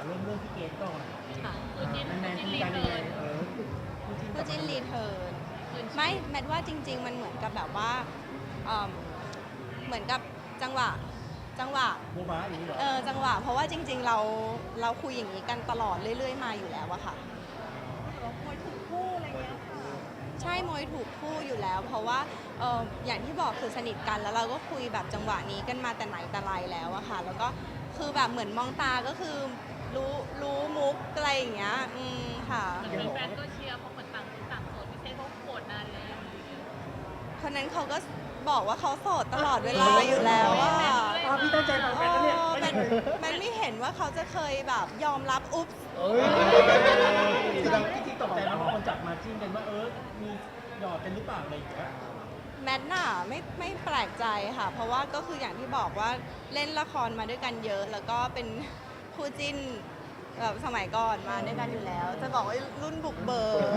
เริ่มเรื่องพี่เกดก่อนค่ะแมนคุยกันยังไงคู่จิ้นรีเทิร์นไม่แมทว่าจริงๆมันเหมือนกับแบบว่าเหมือนกับจังหวะโมบ้าอย่างนี้เหรอจังหวะเพราะว่าจริงๆเราคุยอย่างนี้กันตลอดเรื่อยๆมาอยู่แล้วอะค่ะมวยถูกคู่อะไรเงี้ยค่ะใช่มวยถูกคู่อยู่แล้ว เพราะว่าอย่างที่บอกคือสนิทกันแล้วเราก็คุยแบบจังหวะนี้กันมาแต่ไหนแต่ไรแล้วอะค่ะแล้วก็คือแบบเหมือนมองตาก็คือรู้มุกอะไรอย่างเงี้ยค่ะเหมือนแฟนก็เชียร์เพราะเหมือนต่างคนต่างโสดพี่เซเขาโกรธนานแล้วคนนั้นเขาก็บอกว่าเขาโสดตลอดเวลาอยู่แล้วอะพี่ตั้งใจฟังแฟนแล้วเนี่ยมันไม่เห็นว่าเขาจะเคยแบบยอมรับอุ๊บที่ตกใจแล้วพอคนจับมาจิ้นกันว่ามีหยอดกันหรือเปล่าอะไรอย่างเงี้ยแมทน่ะไม่แปลกใจค่ะ เพราะว่าก็คืออย่างที่บอกว่าเล่นละครมาด้วยกันเยอะ แล้วก็เป็นคู่จิ้นแบบสมัยก่อนมาด้วยกันอยู่แล้ว จะบอกว่ารุ่นบุกเบิก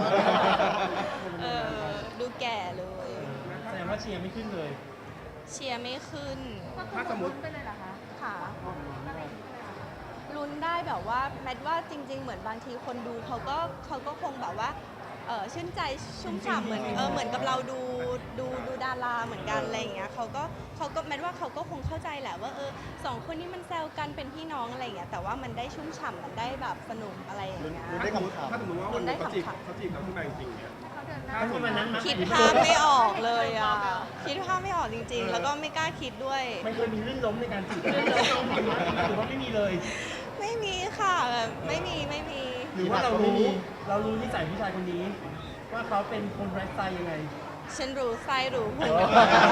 ดูแก่เลยแสดงว่าเชียร์ไม่ขึ้นเลยเชียร์ไม่ขึ้นถ้าสมมติไปเลยเหรอคะค่ะลุ้นได้แบบว่าแมทว่าจริง ๆ เหมือนบางทีคนดูเขาก็คงแบบว่าชื่นใจชุ่มฉ่ำเหมือนเหมือนกับเราดูดาราเหมือนกันอะไรอย่างเงี้ยเขาก็แมทว่าเขาก็คงเข้าใจแหละว่าสองคนนี้มันแซวกันเป็นพี่น้องอะไรอย่างเงี้ยแต่ว่ามันได้ชุ่มฉ่ำมันได้แบบสนุกอะไรอย่างเงี้ยถ้าสมมติว่าวันนี้เขาจีบเราขึ้นมาจริงๆเนี่ยถ้าวันนั้นคิดภาพไม่ออกเลยอ่ะคิดภาพไม่ออกจริง ๆ แล้วก็ไม่กล้าคิดด้วยมันเคยมีลื่นล้มในการจีบหรือว่าไม่มีเลยไม่มีค่ะแบบไม่มีหรือว่าเรารู้นิสัยผู้ชายคนนี้ ว่าเขาเป็นคนไร้สไตล์ยังไงฉันรู้ไส้รู้พุง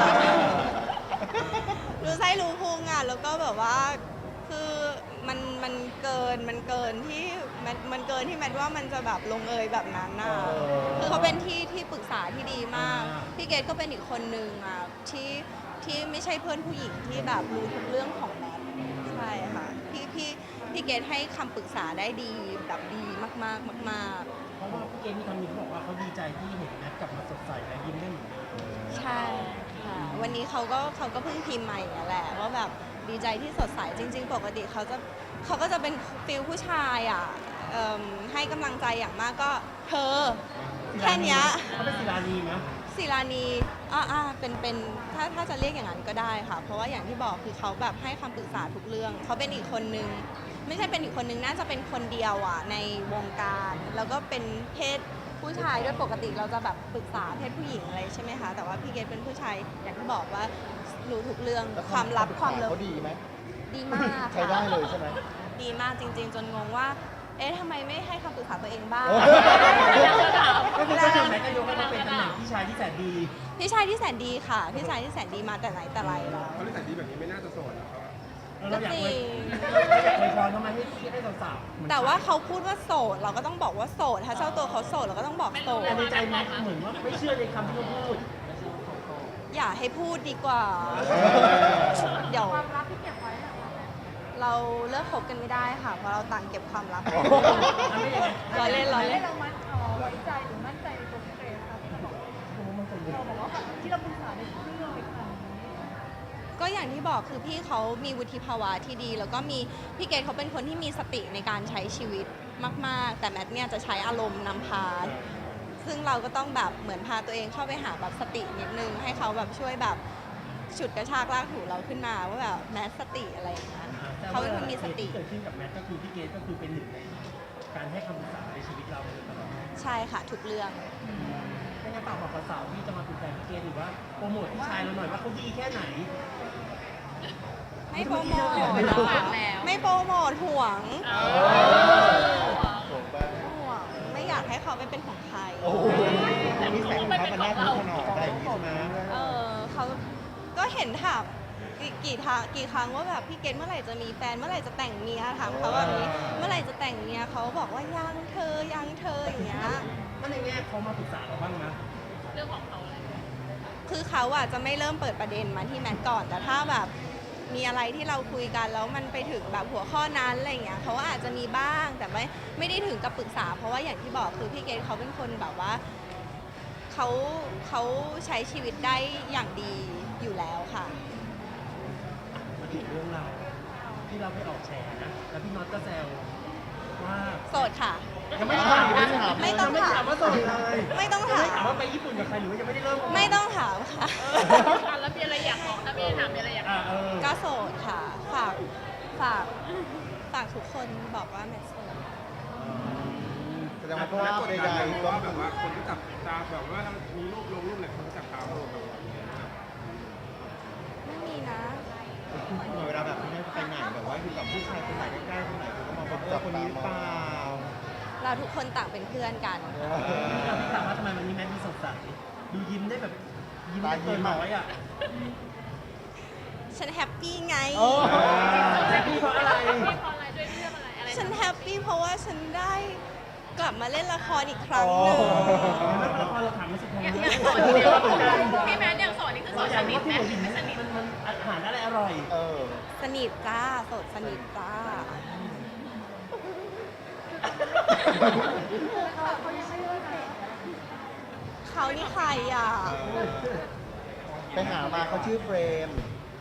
รู้ไส้รู้พุงอ่ะแล้วก็แบบว่าคือมันเกินที่มันเกินที่แมทว่ามันจะแบบลงเอยแบบนั้นน่ะคือเขาเป็นที่ปรึกษาที่ดีมากพี่เกดก็เป็นอีกคนนึงอ่ะที่ไม่ใช่เพื่อนผู้หญิงที่แบบรู้ทุกเรื่องของแมทใช่ค่ะพี่เกดให้คำปรึกษาได้ดีแบบดีมากๆเพราะว่าพี่เกดมีคำหนึ่งเขาบอกว่าเขาดีใจที่เห็นแมทกลับมาสดใสและยิ้มได้เหมือนเดิมใช่ค่ะวันนี้เขาก็เพิ่งพิมพ์ใหม่แหละว่าแบบดีใจที่สดใสจริงๆปกติเขาก็จะเป็นฟิลผู้ชายอ่ะให้กำลังใจอย่างมากก็เธอแค่เนี้ยเขาเป็นศิลานีไหมศิลานีเป็นถ้าจะเรียกอย่างนั้นก็ได้ค่ะ เพราะว่าอย่างที่บอกคือเขาแบบให้คำปรึกษาทุกเรื่องเขาเป็นอีกคนนึงไม่ใช่เป็นอีกคนนึงน่าจะเป็นคนเดียวอ่ะในวงการแล้วก็เป็นเพศผู้ชายด้วยปกติเราจะแบบปรึกษาเพศผู้หญิงอะไรใช่ไหมคะแต่ว่าพี่เกดเป็นผู้ชายอย่างที่บอกว่ารู้ทุกเรื่องความลับความเลิฟเขาดีไหมดีมากใช้ได้เลยใช่ไหมดีมากจริง ๆ จนงงว่าทำไมไม่ให้คำปรึกษาตัวเองบ้างก็คือก็คือแมทก็ยกให้เขาเป็นตำแหน่งพี่ชายที่แสนดีพี่ชายที่แสนดีค่ะพี่ชายที่แสนดีมาแต่ไหนแต่ไรแล้วเขาได้ใส่ดีแบบนี้ไม่น่าจะโสดหรอกครับเราอยากจริอวยงพรทำไมให้สาวๆแต่ว่าเขาพูดว่าโสดเราก็ต้องบอกว่าโสดถ้าเจ้าตัวเขาโสดเราก็ต้องบอกโสดแต่ในใจแมทเหมือนว่าไม่เชื่อในคำที่เขาพูดอย่าให้พูดดีกว่า เดี๋ยวความลับที่เก็บไว้เหรอคะเราเลิกคบกันไม่ได้ค่ะ เพราะเราต่างเก็บความลับทำได้ยังไงล้อเล่นเราไว้ใจหรือมั่นใจในตัวพี่เกรซครับที่เราบอกว่าที่เราปรึกษาในทุกเรื่องเลยค่ะก็อย่างที่บอกคือพี่เขามีวุฒิภาวะที่ดี แล้วก็มีพี่เกดเขาเป็นคนที่มีสติในการใช้ชีวิตมากๆ แต่แมทเนี่ยจะใช้อารมณ์นำพา ซึ่งเราก็ต้องแบบเหมือนพาตัวเองเข้าไปหาแบบสตินิดนึงให้เขาแบบช่วยแบบฉุดกระชากลากถูเราขึ้นมาว่าแบบแมทสติอะไรอย่างเงี้ยเขาเป็นคนมีสติที่เกิดขึ้นกับแมทก็คือพี่เกดก็คือเป็นหนึ่งในการให้คำปรึกษาในชีวิตเราโดยตลอดใช่ค่ะทุกเรื่องไม่งั้นฝากบอกสาวๆที่จะมาเป็นแฟนพี่เกดหรือว่าโปรโมทพี่ชายเราหน่อยว่าเขาดีแค่ไหนไม่โปรโมทฝากแล้วไม่โปรโมทห่วงโสดไปห่วงไม่อยากให้เขาไปเป็นของใครโอ้โหมีแสงเขามันน่าทุกขนอดได้อย่างนี้ใช่ไหมเขาก็เห็นถามกี่ครั้งว่าแบบพี่เกดเมื่อไหร่จะมีแฟนเมื่อไหร่จะแต่งเมียถามเขาแบบนี้เมื่อไหร่จะแต่งเมียเขาบอกว่ายังเธออย่างเงี้ยถ้าในแง่เขามาปรึกษาเราบ้างนะเรื่องของเขาอะไรคือเขาอ่ะจะไม่เริ่มเปิดประเด็นมาที่แมทก่อนแต่ถ้าแบบมีอะไรที่เราคุยกันแล้วมันไปถึงแบบหัวข้อนั้นอะไรเงี้ยเขาอาจจะมีบ้างแต่ไม่ได้ถึงกับปรึกษา เพราะว่าอย่างที่บอกคือพี่เกดเขาเป็นคนแบบว่าเขาใช้ชีวิตได้อย่างดีอยู่แล้วค่ะมาถึงเรื่องเราที่เราไปออกแฉนะแล้วพี่น็อตก็แซวดค่ะยังไม่ได้ถามยังไม่ได้ถามไม่ต้องไม่ถาถามมว่าโสดเลยไม่ต้องถามไม่ถามว่าไปญี่ปุ่นกับใครหรือว่ายังไม่ได้เริ่มไม่ต้องถามค่ะแล้วมีอะไรอยากบอกถ้ามีถามมีอะไรอยากก็โสดค่ะ ฝากทุกคนบอกว่าแมทโสดแสดงว่าภาพใดๆก็แบบว่าคนที่จับตาแบบว่ามีรูปลงรูปอะไรคนที่จับตาเราแบบว่าไม่มีนะเวลาแบบคุณแม่ไปไหนแบบว่าอยู่กับผู้ชายคนไหนใกล้ๆคนไหนคุณก็มองว่าคนนี้หรือเปล่าเราทุกคนต่างเป็นเพื่อนกันพี่ถามว่าทำไมวันนี้แมทดูสดใสดูยิ้มได้แบบยิ้มได้เกินร้อยอ่ะฉันแฮปปี้ไงแฮปปี้เพราะอะไรมีพออะไรด้วยเรื่องอะไรฉันแฮปปี้เพราะว่าฉันได้กลับมาเล่นละครอีกครั้งหนึ่งแล้วพอเราถามมาสุดท้ายอยากสอนเดียวพี่แมนอยากสอนนี่คือสอนอสยากนิรู้ทว่าไหมที่หัวหินไม่สนิทมันอาหารอะไรอร่อยสนิทจ้าโสดสนิทจ้าเขายังไม่เลิกเลยเขานี่ใครอ่ะไปหามาเขาชื่อเฟรม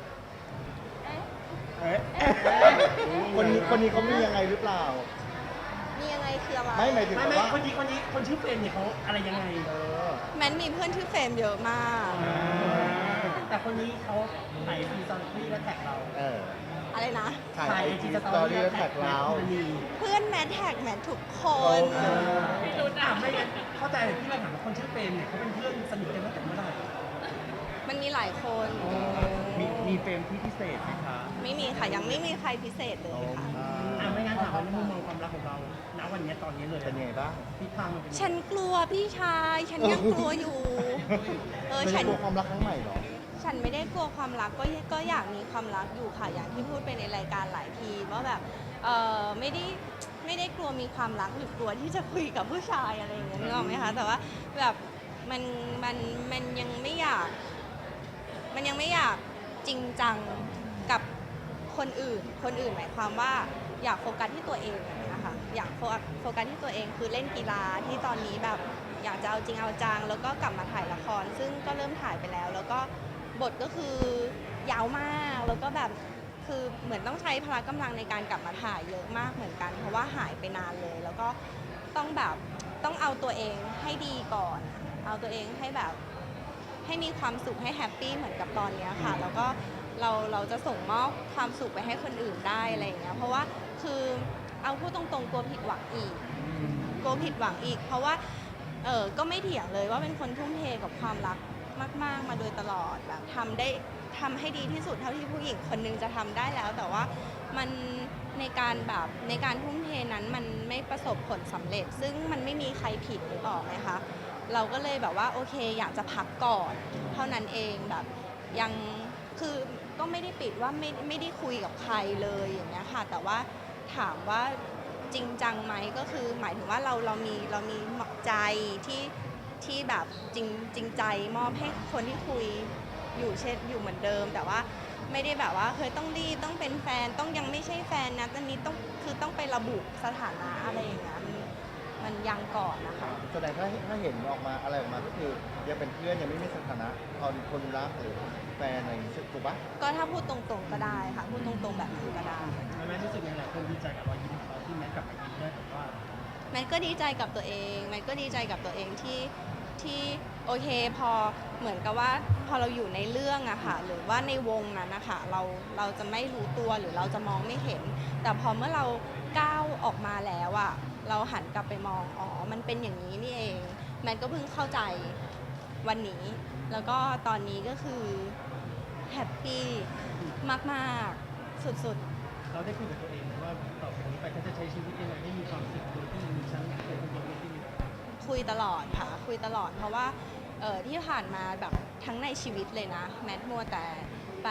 คนนี้เขามียังไงหรือเปล่ามียังไงคืออะไรไม่หมายถึงไม่ว่าคนนี้คนชื่อเฟรนเนี่ยเขาอะไรยังไงแมนมีเพื่อนชื่อเฟรมเยอะมากแต่คนนี้เขาถ่ายฟีซอนฟี่และแท็กเราอะไรนะถ่ายไอจีสตอรี่แล้วแท็กเราเพื่อนแมทแท็กแมททุกคนพี่รู้นะไม่งั้นเข้าใจที่เราถามว่าคนชื่อเฟรนเนี่ยเขาเป็นเพื่อนสนิทกันตั้งแต่เมื่อไหร่มันมีหลายคนมีเฟรมที่พิเศษไหมคะไม่มีค่ะ ยังไม่มีใครพิเศษเลยค่ะไม่งั้นถามว่าในมุมมองความรักของเราณวันนี้ตอนนี้เลยเป็นยังไงบ้างทิศทางมันเป็นยังไงฉันกลัวพี่ชาย ฉันยังกลัวอยู่ไม่ฉัได้กลัวความรักครั้งใหม่เหรอฉันไม่ได้กลัวความรักก็อยากมีความรักอยู่ค่ะ อย่างที่พูดไปในรายการหลายทีว่าแบบไม่ได้กลัวมีความรักหรือกลัวที่จะคุยกับผู้ชายอะไรอย่างเงี้ยนึกออกไหมคะ แต่ว่าแบบมันยังไม่อยาก มันยังไม่อยากจริงจังกับคนอื่นหมายความว่าอยากโฟกัสที่ตัวเองนะคะอยากโฟกัสที่ตัวเองคือเล่นกีฬาที่ตอนนี้แบบอยากจะเอาจริงเอาจังแล้วก็กลับมาถ่ายละคร ซึ่งก็เริ่มถ่ายไปแล้ว แล้วก็บทก็คือยาวมากแล้วก็แบบคือเหมือนต้องใช้พละกำลังในการกลับมาถ่ายเยอะมากเหมือนกัน เพราะว่าหายไปนานเลย แล้วก็ต้องแบบต้องเอาตัวเองให้ดีก่อน เอาตัวเองให้แบบให้มีความสุขให้แฮปปี้เหมือนกับตอนเนี้ยค่ะ แล้วก็เราจะส่งมอบความสุขไปให้คนอื่นได้อะไรอย่างเงี้ยเพราะว่าคือเอาพูดตรงๆกลัวผิดหวังอีก เพราะว่าก็ไม่เถียงเลยว่าเป็นคนทุ่มเทกับความรักมากๆมาโดยตลอดแบบทำให้ดีที่สุดเท่าที่ผู้หญิงคนนึงจะทำได้แล้ว แต่ว่ามันในการทุ่มเทนั้นมันไม่ประสบผลสำเร็จ ซึ่งมันไม่มีใครผิดหรือเปล่าไหมคะเราก็เลยแบบว่าโอเคอยากจะพักก่อนเท่านั้นเองแบบยังคือก็ไม่ได้ปิดว่าไม่ได้คุยกับใครเลยอย่างเงี้ยค่ะแต่ว่าถามว่าจริงจังไหมก็คือหมายถึงว่าเรามีใจที่แบบจริงใจมอบให้คนที่คุยอยู่เหมือนเดิม แต่ว่าไม่ได้แบบว่าเคยต้องรีบต้องเป็นแฟนต้องยังไม่ใช่แฟนนะตอนนี้ต้องไประบุสถานะอะไรอย่างเงี้ยมันยังก่อนนะคะแสดงถ้าเห็นออกมาอะไรออกมาก็คือยังเป็นเพื่อนยังไม่มีสถานะเอาคนรักหรือแฟนอะไรอย่างนี้ถูกปะก็ถ้าพูดตรงๆก็ได้ค่ะพูดตรงๆแบบนั้นก็ได้แม่รู้สึกยังไงคนดีใจกับรอยยิ้มของเราที่แม่กลับมายิ้มได้แบบว่าแมทก็ดีใจกับตัวเองแมทก็ดีใจกับตัวเองที่โอเคพอเหมือนกับว่าพอเราอยู่ในเรื่องอะค่ะหรือว่าในวงนั้นนะคะเราจะไม่รู้ตัวหรือเราจะมองไม่เห็น แต่พอเมื่อเราก้าวออกมาแล้วอะเราหันกลับไปมองอ๋อมันเป็นอย่างนี้นี่เองแมทก็เพิ่งเข้าใจวันนี้ แล้วก็ตอนนี้ก็คือแฮปปี้มากๆสุดๆเราได้คุยกับตัวเองว่าต่อจากนี้ไปก็จะใช้ชีวิตยังไงให้มีความสุขโดยที่มีฉันเป็นคนเดียวไม่ได้มีคุยตลอดค่ะคุยตลอดเพราะว่าที่ผ่านมาแบบทั้งในชีวิตเลยนะแมทมัวแต่ไป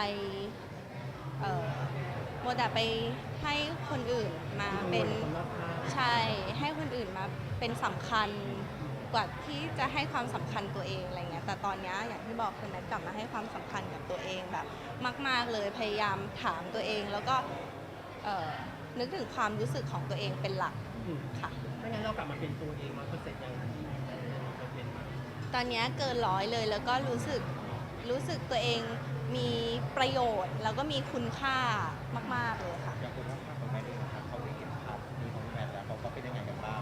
ให้คนอื่นมาเป็นใช่ให้คนอื่นมาเป็นสำคัญกว่าที่จะให้ความสำคัญตัวเองอะไรเงี้ยแต่ตอนนี้อย่างที่บอกคือแมทกลับมาให้ความสำคัญกับตัวเองแบบมากๆเลยพยายามถามตัวเองแล้วก็นึกถึงความรู้สึกของตัวเองเป็นหลักค่ะไม่งั้นเรากลับมาเป็นตัวเอง100%ยังเป็นมาตอนนี้เกิน100เลยแล้วก็รู้สึกตัวเองมีประโยชน์แล้วก็มีคุณค่ามากๆเลยค่ะอย่างคุณว่าของแม่เองนะครับเขาได้เห็นภาพนี้ของแม่แล้วเขาก็เป็นยังไงกันบ้าง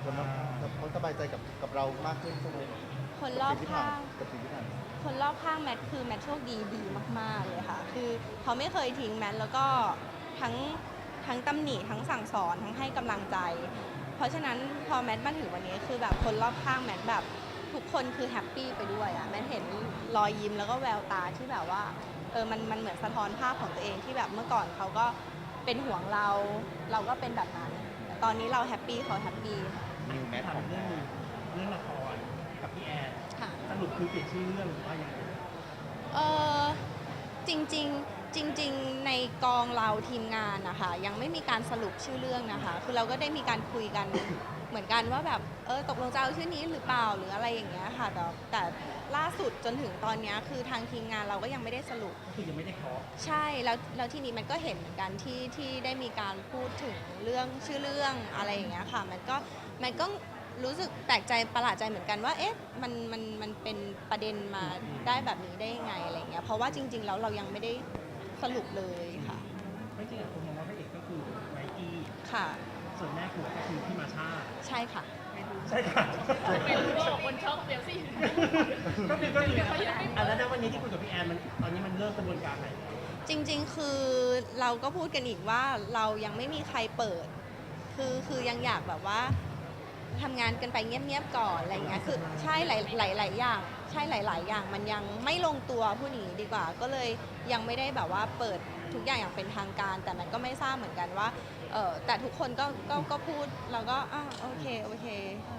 คนว่าเขาสบายใจกับเรามากขึ้นใช่ไหมคนรอบข้างกับสิ่งที่ผ่านมาคนรอบข้างแมทคือแมทโชคดีมากๆเลยค่ะ คือเขาไม่เคยทิ้งแมทแล้วก็ทั้งตำหนิทั้งสั่งสอนทั้งให้กำลังใจ เพราะฉะนั้นพอแมทมาถึงวันนี้คือแบบคนรอบข้างแมทแบบทุกคนคือแฮปปี้ไปด้วยอะแมทเห็นรอยยิ้มแล้วก็แววตาที่แบบว่ามันเหมือนสะท้อนภาพของตัวเองที่แบบเมื่อก่อนเขาก็เป็นห่วงเราก็เป็นแบบนั้นแต่ตอนนี้เราแฮปปี้เขาแฮปปี้นิวแมทถามของเรื่องนึงเรื่องละครกับพี่แอนค่ะสรุปคือเปลี่ยนชื่อเรื่องหรือว่ายังไงเออจริงๆในกองเราทีมงานนะคะยังไม่มีการสรุปชื่อเรื่องนะคะ คือเราก็ได้มีการคุยกัน เหมือนกันว่าแบบตกลงจะเอาชื่อนี้หรือเปล่าหรืออะไรอย่างเงี้ยค่ะแต่ล่าสุดจนถึงตอนเนี้ยคือทางทีมงานเราก็ยังไม่ได้สรุปก็คือยังไม่ได้เคาะใช่แล้วทีนี้มันก็เห็นเหมือนกันที่ได้มีการพูดถึงเรื่องชื่อเรื่องอะไรอย่างเงี้ยค่ะมันก็รู้สึกแปลกใจประหลาดใจเหมือนกันว่าเอ๊ะมันเป็นประเด็นมาได้แบบนี้ได้ยังไงอะไรเงี้ยเพราะว่าจริงๆแล้วเรายังไม่ได้สรุปเลยค่ะไม่จริงๆคนมองว่าพระเอกก็คือไมกี้ค่ะส่วนแม่ผัวก็คือพี่มาชาใช่ค่ะใช่ค่ะเป็นรู้คนช็อกเดี๋ยวสิก็คือแล้ววันนี้ที่คุยกับพี่แอนมันตอนนี้มันเริ่มกระบวนการไหนจริงๆ คือเราก็พูดกันอีกว่าเรายังไม่มีใครเปิด คือยังอยากแบบว่าทำงานกันไปเงียบๆก่อนอะไรเงี้ย คือใช่หลายอย่าง ใช่หลาย ๆ อย่างมันยังไม่ลงตัวพูดอย่างนี้ดีกว่า ก็เลยยังไม่ได้แบบว่าเปิดทุกอย่างอย่างเป็นทางการ แต่มันก็ไม่ทราบเหมือนกันว่าแต่ทุกคนก็พูดเราก็โอเค